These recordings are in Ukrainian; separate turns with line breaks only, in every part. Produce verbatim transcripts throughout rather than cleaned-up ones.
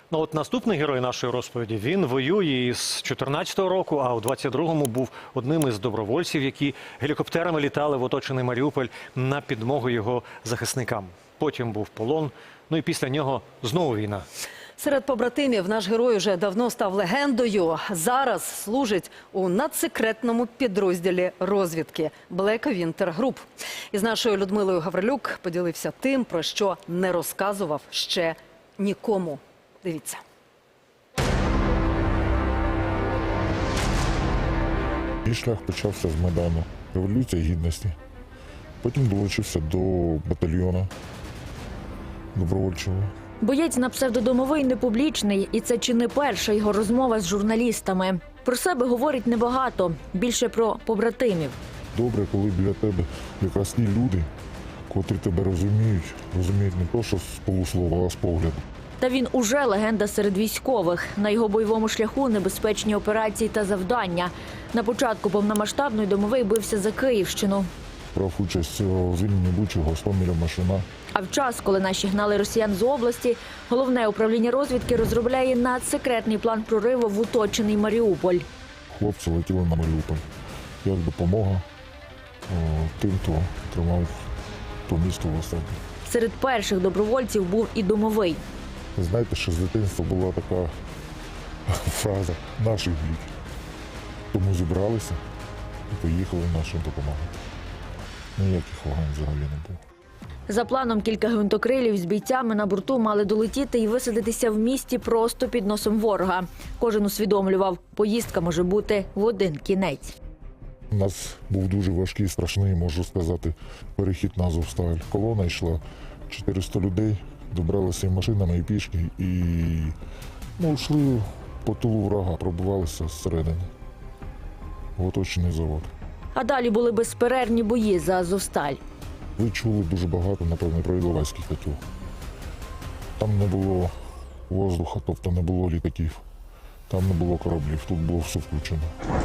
Ну от наступний герой нашої розповіді, він воює із чотирнадцятого року, а у двадцять другому був одним із добровольців, які гелікоптерами літали в оточений Маріуполь на підмогу його захисникам. Потім був полон, ну і після нього знову війна.
Серед побратимів наш герой уже давно став легендою. Зараз служить у надсекретному підрозділі розвідки Black Winter Group. Із нашою Людмилою Гаврилюк поділився тим, про що не розказував ще нікому. Дивіться.
Мій шлях почався з Майдану, Революція Гідності. Потім долучився до батальйону добровольчого.
Боєць на псевдодомовий не публічний, і це чи не перша його розмова з журналістами. Про себе говорить небагато, більше про побратимів.
Добре, коли біля тебе якраз ті люди, котрі тебе розуміють, розуміють не то, що з полуслова, а з погляду.
Та він уже легенда серед військових. На його бойовому шляху небезпечні операції та завдання. На початку повномасштабної домовий бився за Київщину.
Брав участь у звільненні Бучі, Гостомеля, Машина.
А в час, коли наші гнали росіян з області, головне управління розвідки розробляє надсекретний план прориву в оточений Маріуполь.
Хлопці летіли на Маріуполь. Як допомога о, тим, хто тримав то місто в осаді.
Серед перших добровольців був і домовий.
Знаєте, що з дитинства була така фраза «наших бій». Тому зібралися і поїхали нашим допомагати. Ніяких вагань взагалі не було.
За планом, кілька гвинтокрилів з бійцями на борту мали долетіти і висадитися в місті просто під носом ворога. Кожен усвідомлював, поїздка може бути в один кінець.
У нас був дуже важкий, страшний, можу сказати, перехід на Азовсталь. Колона йшла, чотириста людей, добралися і машинами, і пішки, і ну, йшли по тилу врага, пробивалися зсередини в оточений завод.
А далі були безперервні бої за Азовсталь.
Ви чули дуже багато, напевно, про Іловайський котел. Там не було воздуха, тобто не було літаків, там не було кораблів, тут було все включено.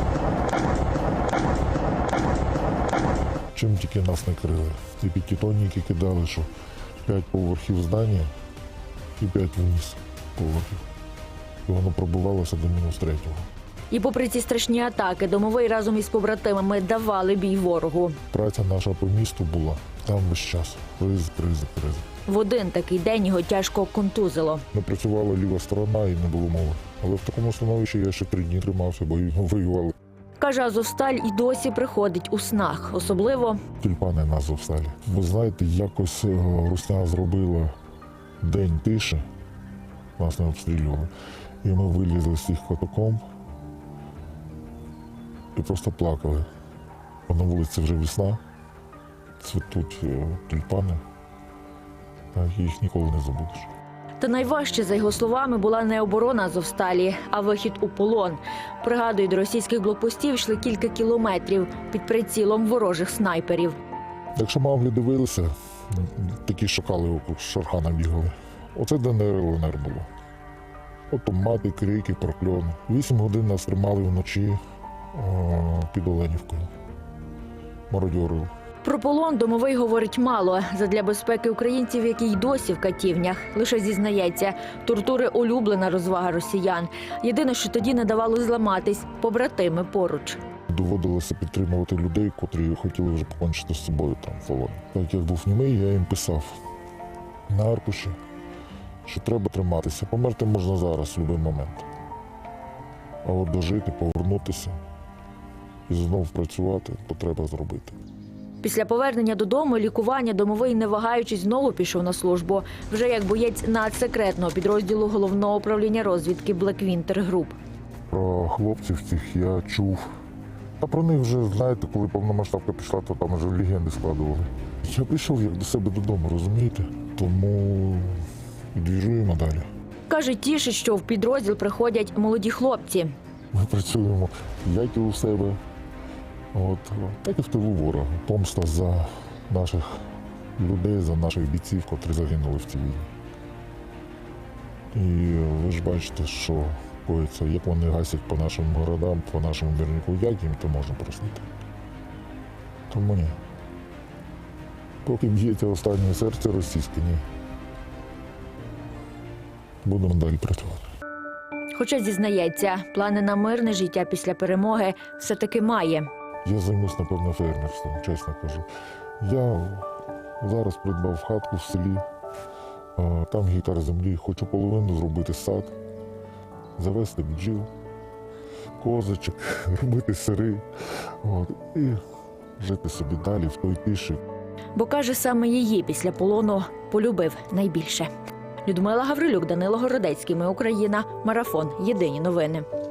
Чим тільки нас не крили. Ті п'ятитонники кидали, що п'ять поверхів здання і п'ять вниз поверхів. І воно пробивалося до мінус третього.
І попри ці страшні атаки, домовий разом із побратимами давали бій ворогу.
Праця наша по місту була там весь час. Ризик, ризик, ризик.
В один такий день його тяжко контузило.
Не працювала ліва сторона і не було мови. Але в такому становищі я ще три дні тримався, бо воювали.
Каже, Азовсталь і досі приходить у снах. Особливо
Тюльпани на Азовсталі. Ви знаєте, якось русня зробила день тиші, нас не обстрілювали. І ми вилізли з цих катакомб і просто плакали. На вулиці вже весна, цвітуть тюльпани, так, їх ніколи не забудеш.
Та найважче, за його словами, була не оборона Азовсталі, а вихід у полон. Пригадують, до російських блокпостів йшли кілька кілометрів під прицілом ворожих снайперів.
Якщо мавлі дивилися, такі шакали округ Шархана бігали. Оце ДНР, ЛНР було. Автомати, крики, прокльони. Вісім годин нас тримали вночі о, під Оленівкою. Мародьорили.
Про полон домовий говорить мало. Задля безпеки українців, які й досі в катівнях. Лише зізнається, тортури – улюблена розвага росіян. Єдине, що тоді не давало зламатись – побратими поруч.
Доводилося підтримувати людей, котрі хотіли вже покончити з собою там в полоні. Так як був німий, я їм писав на аркуші, що треба триматися. Померти можна зараз, в будь-який момент. А от дожити, повернутися і знову працювати, то треба зробити.
Після повернення додому лікування домовий, не вагаючись, знову пішов на службу. Вже як боєць надсекретного підрозділу головного управління розвідки Black Winter Group.
Про хлопців цих я чув. А про них вже, знаєте, коли повномасштабка пішла, то там вже легенди складували. Я прийшов як до себе додому, розумієте? Тому двіжуємо далі.
Каже, тішить, що в підрозділ приходять молоді хлопці.
Ми працюємо як і у себе, от, так і в тилу ворога. Помста за наших людей, за наших бійців, котрі загинули в цій війні. І ви ж бачите, що коїться, як вони гасять по нашим городам, по нашому мирнику, як їм то можна простити. Тому ні. Поки б'ється останнє серце російське, ні. Будемо далі працювати.
Хоча зізнається, плани на мирне життя після перемоги все-таки має.
Я займусь, напевно, фермерством, чесно кажу. Я зараз придбав хатку в селі, а, там гектар землі, хочу половину зробити сад, завести бджіл, козочок, робити сири, от, і жити собі далі в той тиші.
Бо, каже, саме її після полону полюбив найбільше. Людмила Гаврилюк, Данило Городецький. Ми Україна. Марафон. Єдині новини.